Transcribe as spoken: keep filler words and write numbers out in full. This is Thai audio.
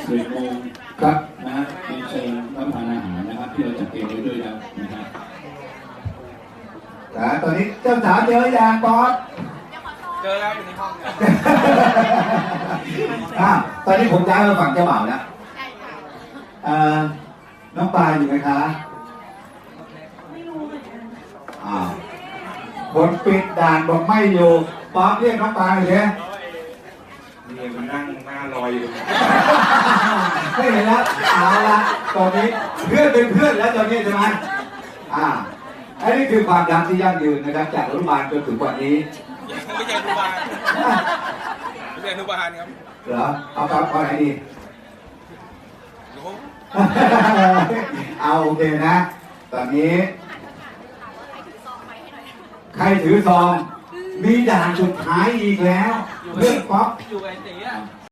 สิบโมงครับนะฮะเป็นเชิญรับประทานอาหารนะครับที่เราจัดเตรียมไว้ด้วยแล้วนะครับแต่ตอนนี้เจ้าสาวเจออย่างบอสเจอแล้วอยู่ในห้องเนี่ยอ่ะตอนนี้ผมย้ายมาฝั่งเจ้าบ่าวแล้วใช่ค่ะเอ่อน้องปลาอยู่ไหมคะไม่รู้เหมือนกันอ่าคนปิดด่านบอกไม่อยู่ป๊อปเรียกน้องปลาเลยเนี่ยนี่มันนั่งหน้าลอยอยู่ไม่เห็นแล้วเอาละตอนนี้เพื่อนเป็นเพื่อนแล้วตอนนี้ใช่ไหมอ่าอันนี้คือความรักที่ยั่งยืนนะครับจากอนุบาลจนถึงวันนี้ไม่ใช่อนุบาลไม่ใช่อนุบาลครับเหรอเอาตอนไหนดีเอาโอเคนะ ตอนนี้ใครถือซองมีด่านสุดท้ายอีกแล้วเรื่องป๊อปอยู่ไอ้ตีอ่ะ